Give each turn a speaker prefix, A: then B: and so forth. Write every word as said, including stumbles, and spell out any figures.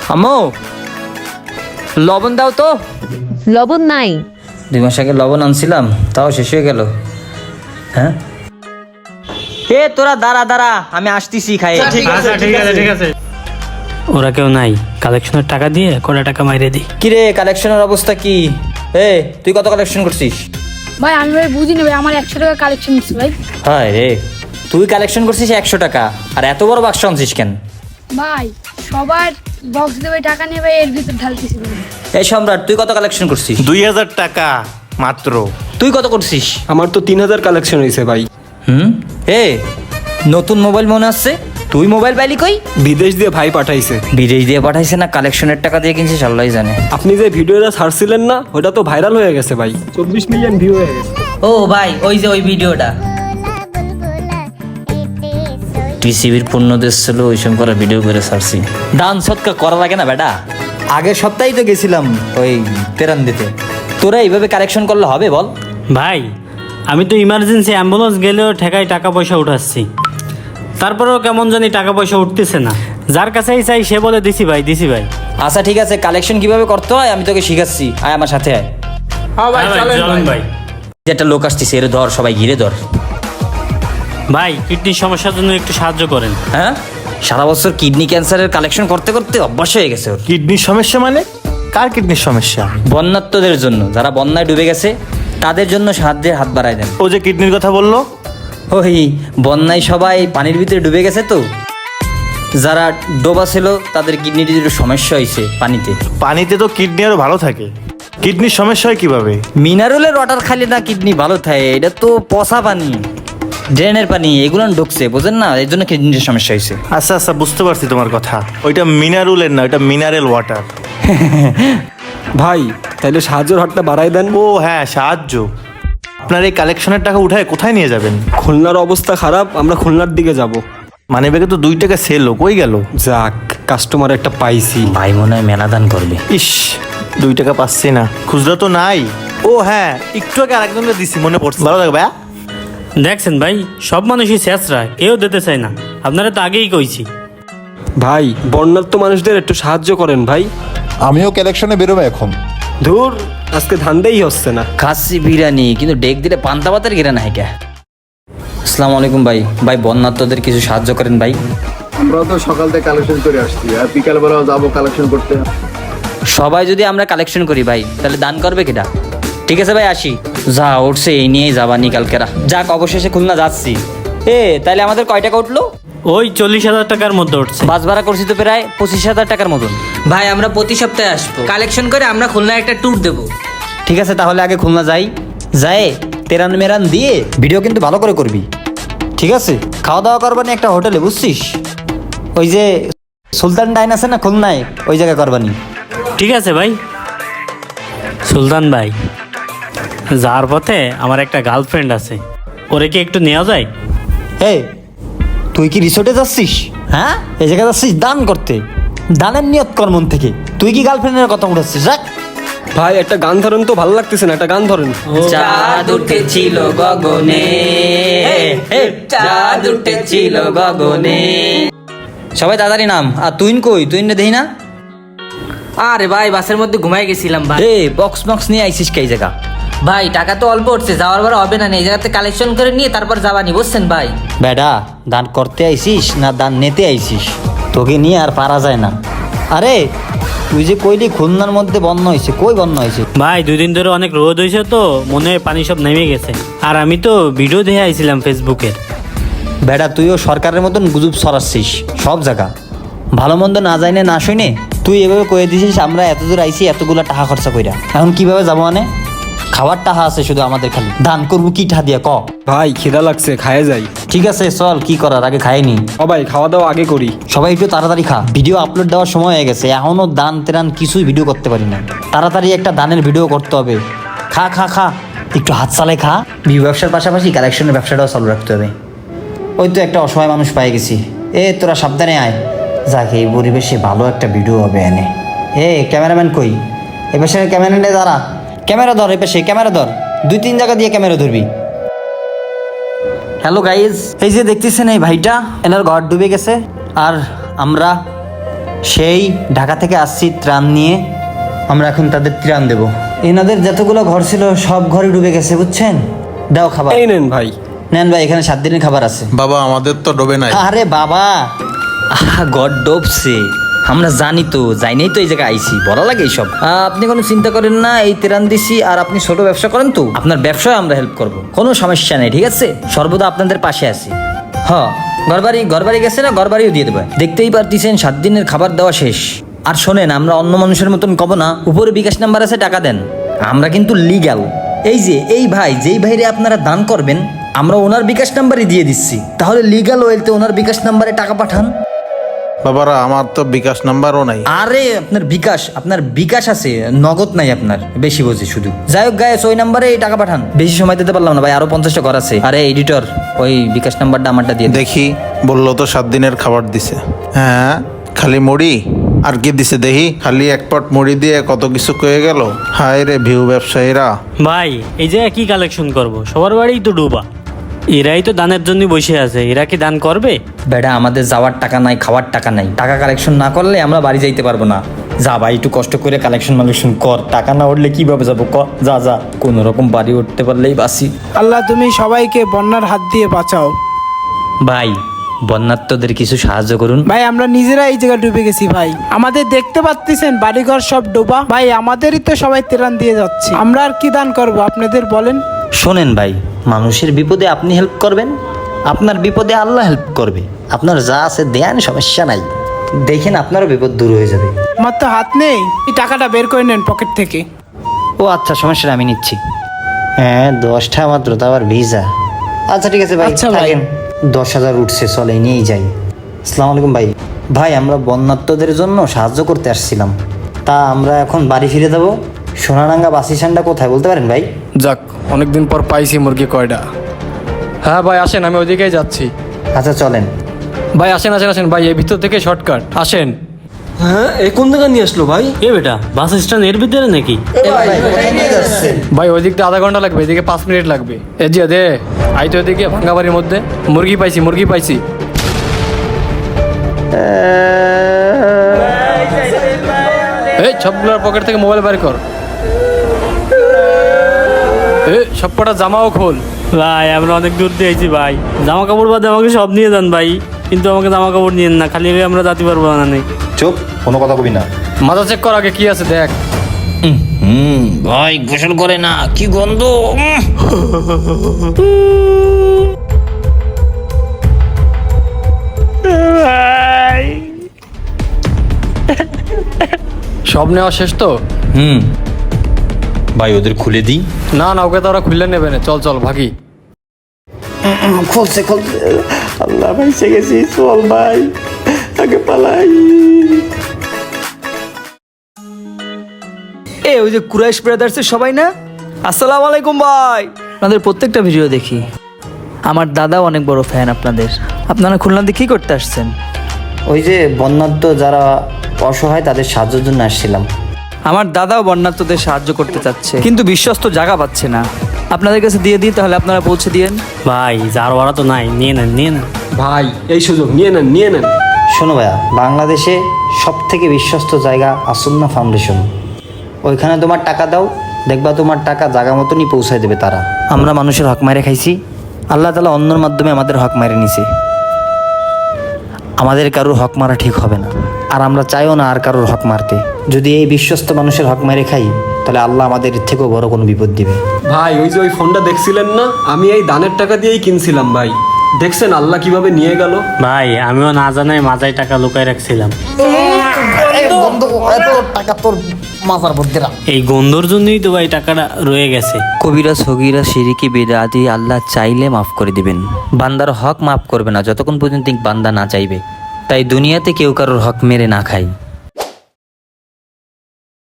A: আম্মু লবণ দাও তো।
B: লবণ নাই।
A: দুই মাস আগে লবণ আনছিলাম, তাও শেষ হয়ে গেল। হ্যাঁ এ তোরা দাঁড়া দাঁড়া, আমি আসতেছি খাই।
C: ঠিক আছে ঠিক আছে ঠিক আছে। ওরা কেউ নাই, কালেকশনের টাকা দিয়ে কটা টাকা মাইরে দিই।
A: কিরে কালেকশনের অবস্থা কি? এ তুই কত কালেকশন করছিস?
D: ভাই আমি ভাই বুঝিনি ভাই, আমার একশো টাকা কালেকশন নিচ্ছি ভাই।
A: হ্যাঁ রে, তুই কালেকশন করছিস একশো টাকা, আর এত বড় বাক্স আনছিস কেন?
D: ভাই সবার বক্স দেবে টাকা নিয়ে ভাই এর ভিতর ঢালতেছি ভাই।
A: এই সম্রাট, তুই কত কালেকশন করছিস?
E: দুই হাজার টাকা মাত্র।
A: তুই কত করছিস?
F: আমার তো তিন হাজার কালেকশন হয়েছে ভাই।
A: হুম এ নতুন মোবাইল মনে আসছে, তুই মোবাইল পাইলি কই?
F: বিদেশ দিয়ে ভাই পাঠাইছে।
A: বিদেশ দিয়ে পাঠাইছে না কালেকশনের টাকা দিয়ে কিনছিস আল্লাহই জানে।
F: আপনি যে ভিডিওটা ছাড়ছিলেন না, ওটা তো ভাইরাল হয়ে গেছে ভাই, চব্বিশ মিলিয়ন ভিউ হয়ে গেছে।
A: ও ভাই ওই যে ওই ভিডিওটা টিসিবির পূর্ণ দেশ ছিল, ওই সময় করা ভিডিও করে ছাড়ছি। দান সৎকার করা লাগে না বেটা? আগের সপ্তাহেই তো গেছিলাম ওই তেরান দিতে। তোরা এইভাবে কালেকশন করলে হবে বল?
C: ভাই আমি তো ইমার্জেন্সি অ্যাম্বুলেন্স গেলেও ঠেকাই টাকা পয়সা উঠাচ্ছি, তারপরেও কেমন জানি টাকা পয়সা উঠতেছে না। যার কাছেই চাই সে বলে দিছি ভাই দিছি ভাই।
A: আচ্ছা ঠিক আছে, কালেকশন কিভাবে করতে হয় আমি তোকে শিখাচ্ছি, আয় আমার সাথে আয়।
C: হ্যাঁ ভাই, চলেন ভাই।
A: যে একটা লোক আসতেছে, এর ধর, সবাই ঘিরে ধর।
C: ভাই কিডনির সমস্যার জন্য একটু সাহায্য করেন।
A: হ্যাঁ সারা বছর কিডনি ক্যান্সারের কালেকশন করতে করতে অভ্যাস হয়ে গেছে ওর।
E: কিডনির সমস্যা মানে? কার কিডনির সমস্যা?
A: বন্যাত্মদের জন্য, যারা বন্যায় ডুবে গেছে তাদের জন্য সাহায্যের হাত বাড়ায় দেন।
E: ও যে কিডনির কথা বললো,
A: ওই বন্যায় সবাই পানির ভিতরে ডুবে গেছে তো, যারা ডোবা ছিল তাদের কিডনির একটু সমস্যা হয়েছে পানিতে।
E: পানিতে তো কিডনি আরো ভালো থাকে, কিডনির সমস্যা হয় কিভাবে?
A: মিনারেলের ওয়াটার খালি না কিডনি ভালো থাকে, এটা তো পচা পানি, ড্রেনের পানি, এগুলো ঢুকছে বুঝেন না, এই জন্য কিডনির সমস্যা হয়েছে।
E: আচ্ছা আচ্ছা বুঝতে পারছি তোমার কথা, ওইটা মিনারেলের না, ওইটা মিনারেল ওয়াটার।
F: ভাই তাইলে সাহায্যের হাতটা বাড়াই দেন।
E: ও হ্যাঁ সাহায্য। আপনার এই কালেকশনের টাকা উঠায় কোথায় নিয়ে যাবেন?
F: খুলনার অবস্থা খারাপ, আমরা খুলনার দিকে যাব।
E: মানে বেগে তো দুই টাকা সেল কই গেল?
F: যাক, কাস্টমার একটা পাইছি।
A: ভাই মনে হয় মেলা দান করবে।
E: ইস, দুই টাকা পাচ্ছি না, খুচরা তো নাই। ও হ্যাঁ, একটু আগে আরেকজনকে দিছি, মনে পড়ছে। ভালো থাকবে।
C: দেখছেন ভাই, সব মানুষই শেষরা, কেউ দিতে চায় না। আপনারা তো আগেই কইছি।
F: ভাই বন্যার্ত মানুষদের একটু সাহায্য করেন ভাই।
G: আমিও কালেকশনে বেরোবো এখন।
F: ধুর, আজকে ধান্দেই হচ্ছে না।
A: খাসি বিরিয়ানি কিন্তু ডেক দিলে পান্তা পাতের গিরা না হ্যাঁ। আসসালামু আলাইকুম ভাই। ভাই বন্যাত্মদের কিছু সাহায্য করেন ভাই।
H: আমরাও তো সকাল থেকে কালেকশন করে আসছি, আর বিকালবেলাও যাবো কালেকশন করতে।
A: সবাই যদি আমরা কালেকশন করি ভাই, তাহলে দান করবে কেটা? ঠিক আছে ভাই আসি। যা উঠছে এই নিয়েই যাবানি কালকেরা। যাক অবশেষে খুলনা যাচ্ছি। এ তাহলে আমাদের কয় টাকা উঠলো?
C: ওই চল্লিশ হাজার টাকার মধ্যে উঠছে।
A: বাস ভাড়া করছি তো প্রায় পঁচিশ হাজার টাকার মতন।
I: ভাই আমরা প্রতি সপ্তাহে আসবো, কালেকশন করে আমরা খুলনায় একটা ট্যুর দেবো।
A: ঠিক আছে তাহলে আগে খুলনা যাই, যায় তেরান মেরান দিয়ে ভিডিও কিন্তু ভালো করে করবি, ঠিক আছে? খাওয়া দাওয়া করবানি একটা হোটেলে, বুঝছিস? ওই যে সুলতান ডাইন আছে না খুলনায়, ওই জায়গায় করবানি।
C: ঠিক আছে ভাই। সুলতান ভাই, যার পথে আমার একটা গার্লফ্রেন্ড আছে, ওরে কি একটু নেওয়া যায়?
A: হে তুই কি রিসোর্টে যাচ্ছিস? হ্যাঁ এই জায়গায় যাচ্ছিস দান করতে, দানের নিয়ত কর মন থেকে। তুই কি গার্লফ্রেন্ডের কথা উঠাচ্ছিস? যাক
F: ভাই একটা গান ধরেন তো, ভালো লাগতেছে না, একটা গান ধরেন।
I: চাঁদ উঠেছিল গগনে, চাঁদ উঠেছিল গগনে।
A: সবাই তাড়াতাড়ি নাম। আর তুই কই? তুই না দেই না?
I: আরে ভাই বাসের মধ্যে ঘুমাই গেছিলাম ভাই।
A: এ বক্স বক্স নিয়ে আইসিস কে জায়গা?
I: ভাই টাকা তো অল্প উঠছে, যাওয়ার বার হবে না, এই জায়গাতে কালেকশন করে নিয়ে তারপর যাবানি, বুঝছেন ভাই?
A: বেটা দান করতে আইসিস না দান নিতে আইসিস? তোকে নিয়ে আর পারা যায় না। আরে তুই যে কইলি খুলনার মধ্যে বন্যা হয়েছে, কই বন্যা হয়েছে?
C: ভাই দুই দিন ধরে অনেক রোদ হয়েছে তো, মনে হয় পানি সব নেমে গেছে। আর আমি তো ভিডিও দেখে আইছিলাম ফেসবুকের।
A: বেটা তুইও সরকারের মতন গুজব ছড়াচ্ছিস সব জায়গা, ভালো মন্দ না জানে না শুনে তুই এভাবে কয়ে দিছিস আমরা এত দূর আইসি এতগুলা টাকা খরচা কইরা। এখন কিভাবে যাবো? মানে খাবার টাকা আছে শুধু আমাদের, খালি দান করবো কি টাকা দিয়া ক?
F: ভাই খিদা লাগছে, খায়ে যাই।
A: ঠিক আছে চল, কি করার, আগে খাইনি।
F: ও ভাই খাওয়া দাওয়া আগে করি।
A: সবাই একটু তাড়াতাড়ি খা, ভিডিও আপলোড দেওয়ার সময় হয়ে গেছে, এখনো দান তেরান কিছুই ভিডিও করতে পারি না। তাড়াতাড়ি একটা দানের ভিডিও করতে হবে। খা খা খা, একটু হাত চালাই খা। ভিউ ব্যবসার পাশাপাশি কালেকশনের ব্যবসাটাও চালু রাখতে হবে। ওই তো একটা অসহায় মানুষ পাই গেছি। এ তোরা সাবধানে আয়, যাকে এই পরিবেশে ভালো একটা ভিডিও হবে এনে। এ ক্যামেরাম্যান কই? এ পাশে ক্যামেরাম্যানে দাঁড়া, ক্যামেরা ধর, এ পাশে ক্যামেরা ধর, দুই তিন জায়গা দিয়ে ক্যামেরা ধরবি। হ্যালো গাইজ, এই যে দেখতেছেন এই ভাইটা, এনার ঘর ডুবে গেছে, আর আমরা সেই ঢাকা থেকে আসছি ত্রাণ নিয়ে, আমরা এখন তাদের ত্রাণ দেব। এনাদের যতগুলো ঘর ছিল সব ঘরে ডুবে গেছে, বুঝছেন? দাও খাবার।
F: এই নেন ভাই।
A: নেন ভাই, এখানে সাত দিনের খাবার আছে।
G: বাবা আমাদের তো ডোবে নাই।
A: আরে বাবা, আহা গড ডোবছে, আমরা জানি তো, যাইনি তো এই জায়গায় আইছি, বলা লাগে এইসব। আহ, আপনি কোনো চিন্তা করেন না, এই তেরান দিছি, আর আপনি ছোট ব্যবসা করেন তো, আপনার ব্যবসায় আমরা হেল্প করব, কোনো সমস্যা নেই, ঠিক আছে? সর্বদা আপনাদের পাশে আছি। হ, ঘরবাড়ি ঘরবাড়ি গেছে না, ঘরবাড়িও দিয়ে দেবে। দেখতেই পারতেছেন সাত দিনের খাবার দেওয়া শেষ। আর শোনেন, আমরা অন্য মানুষের মতন কব না উপরে বিকাশ নাম্বার আছে, টাকা দেন। আমরা কিন্তু লিগ্যাল। এই যে এই ভাই, যেই ভাইরে আপনারা দান করবেন, আমরা ওনার বিকাশ নাম্বারই দিয়ে দিচ্ছি, তাহলে লিগ্যাল ওয়েলতে ওনার বিকাশ নাম্বারে টাকা পাঠান।
G: বাবারা আমার তো বিকাশ নাম্বারও নাই।
A: আরে আপনার বিকাশ, আপনার বিকাশ আছে, নগদ নাই আপনার, বেশি বোঝে শুধু। যাই হোক গায়ে ওই নাম্বারে টাকা পাঠান। বেশি সময় দিতে পারলাম না ভাই, আরো পঞ্চাশটা ঘর আছে। আরে এডিটর, ওই বিকাশ নাম্বারটা আমারটা দিয়ে দে।
G: দেখি, বললো তো সাত দিনের খাবার দিছে। হ্যাঁ, খালি মুড়ি আর কি দিছে দেখি? খালি এক পট মুড়ি দিয়ে কত কিছু কয়ে গেল। হায় রে ভিউ ব্যবসায়ীরা।
C: ভাই এই জায়গায় কি কালেকশন করব? সবার বাড়িই তো ডুবা, এরাই তো দানের জন্য বসে আছে, এরা কি দান করবে?
A: বেটা, আমাদের যাওয়ার টাকা নাই, খাওয়ার টাকা নাই, টাকা কালেকশন না করলে আমরা বাড়ি যাইতে পারবো না। যা ভাই, একটু কষ্ট করে কালেকশন মালেকশন কর, টাকা না উঠলে কিভাবে যাবো ক? যা যা, কোনো রকম বাড়ি উঠতে পারলেই বাসি।
B: আল্লাহ তুমি সবাইকে বন্যার হাত দিয়ে বাঁচাও।
A: ভাই, বন্যার্থদের কিছু সাহায্য করুন।
B: ভাই আমরা নিজেরা এই জায়গায় ডুবে গেছি ভাই, আমাদের দেখতে পাচ্ছেন বাড়িঘর সব ডোবা ভাই, আমাদেরই তো সবাই ত্রাণ দিয়ে যাচ্ছে, আমরা আর কি দান করব আপনাদের বলেন?
A: শোনেন ভাই, মানুষের বিপদে আপনি হেল্প করবেন, আপনার বিপদে আল্লাহ হেল্প করবে। আপনার যা আছে দেন, সমস্যা নাই, দেখেন আপনারও বিপদ দূর হয়ে যাবে।
B: আমার তো হাত নেই, এই টাকাটা বের করে নেন পকেট থেকে।
A: ও আচ্ছা, সমস্যা নেই, আমি নিচ্ছি। হ্যাঁ, দশটা মাত্র, তো আবার ভিসা। আচ্ছা ঠিক আছে ভাই,
B: আচ্ছা ভাই।
A: থাকেন। দশ হাজার উঠছে, চলে নিয়েই যাই। আসসালামু আলাইকুম ভাই। ভাই, আমরা বন্যার্থদের জন্য সাহায্য করতে আসছিলাম, তা আমরা এখন বাড়ি ফিরে যাবো। সোনারাঙ্গা বাস স্ট্যান্ডটা কোথায় বলতে পারেন ভাই?
F: যাক, অনেকদিন পর পাইছি মুরগি কয়টা। হ্যাঁ ভাই আসেন, আমি ওইদিকেই যাচ্ছি।
A: আচ্ছা চলেন।
F: ভাই আসেন আসেন আসেন ভাই, এই ভিতর থেকে শর্টকাট আসেন। হ্যাঁ, এই কোন জায়গা নিয়ে আসলো ভাই?
C: এ বেটা, বাস স্ট্যান্ড এর ভিতরে নাকি?
F: ভাই ওই দিকটা আধা ঘন্টা লাগবে, এদিকে পাঁচ মিনিট লাগবে। এ জিয়া দে, আই তো এদিকে ভাঙ্গা বাড়ির মধ্যে। মুরগি পাইছি মুরগি পাইছি। এই সবগুলোর পকেট থেকে মোবাইল বের কর। এ সব কটা জামাও খোল।
C: ভাই আমরা অনেক দূর দিয়ে আইছি ভাই, জামা কাপড় বাদে আমাকে সব নিয়ে যান ভাই, কিন্তু আমাকে জামা কাপড় নিয়েন না, খালি এভাবে আমরা যেতে পারবো না। নেই
G: চুপ, কোনো কথা কবি না।
F: মাথা চেক কর আগে কি আছে দেখ।
A: হুম ভাই, গোসল করে না, কি গন্ধ।
F: সব নেওয়া শেষ তো?
A: হুম ভাই, ওদের খুলে দিই।
F: না না, ওকে তো ওরা খুললে নেবে না, চল চল ভাগি।
A: খুলছে খুলছে, আল্লাহ ভাই সে গেছি, চল ভাই আগে পালাই।
J: এ ওই যে কুরাইশ ব্রাদার্সের সবাই না? আসসালামু আলাইকুম ভাই। আপনাদের প্রত্যেকটা ভিডিও দেখি, আমার দাদাও অনেক বড় ফ্যান আপনাদের। আপনারা খুলনাতে কি করতে আসছেন?
A: ওই যে বন্যার্থ যারা অসহায়, তাদের সাহায্যের জন্য আসছিলাম।
J: আমার দাদাও বন্যার্থদের সাহায্য করতে চাচ্ছে, কিন্তু বিশ্বস্ত জায়গা পাচ্ছে না। আপনাদের কাছে দিয়ে দিই, তাহলে আপনারা পৌঁছে দিয়েন।
C: ভাই, যার ওরা তো নাই, নিয়ে নেন নিয়ে নেন।
F: ভাই এই সুযোগ নিয়ে নেন নিয়ে নেন।
A: শোনো ভাইয়া, বাংলাদেশে সব থেকে বিশ্বস্ত জায়গা আসন্না ফাউন্ডেশন, ওইখানে তোমার টাকা দাও, দেখবা তোমার টাকা জায়গা মতনই পৌঁছায় দেবে তারা। আমরা মানুষের হক মারে খাইছি, আল্লাহ তাআলা অন্যর মাধ্যমে আমাদের হক মারে নিছে। আমাদের কারোর হক মারা ঠিক হবে না, আর আমরা চাইও না আর কারোর হক মারতে। যদি এই বিশ্বস্ত মানুষের হক মেরে খাই, তাহলে আল্লাহ আমাদের এর থেকেও বড় কোনো বিপদ দিবে।
F: ভাই ওই যে ওই ফোনটা দেখছিলেন না, আমি এই দানের টাকা দিয়েই কিনছিলাম ভাই। দেখছেন আল্লাহ কিভাবে নিয়ে গেল।
C: ভাই আমিও না জানাই মাজায় টাকা লুকাই রাখছিলাম, এই গন্ধর জন্যই তো ভাই টাকাটা রয়ে গেছে।
A: কবিরা সগিরা শিরিকি বিদআতি আল্লাহ চাইলে মাফ করে দিবেন, বান্দার হক মাফ করবে না যতক্ষণ পর্যন্ত বান্দা না চাইবে। তাই দুনিয়াতে কেউ কারোর হক মেরে না খায়।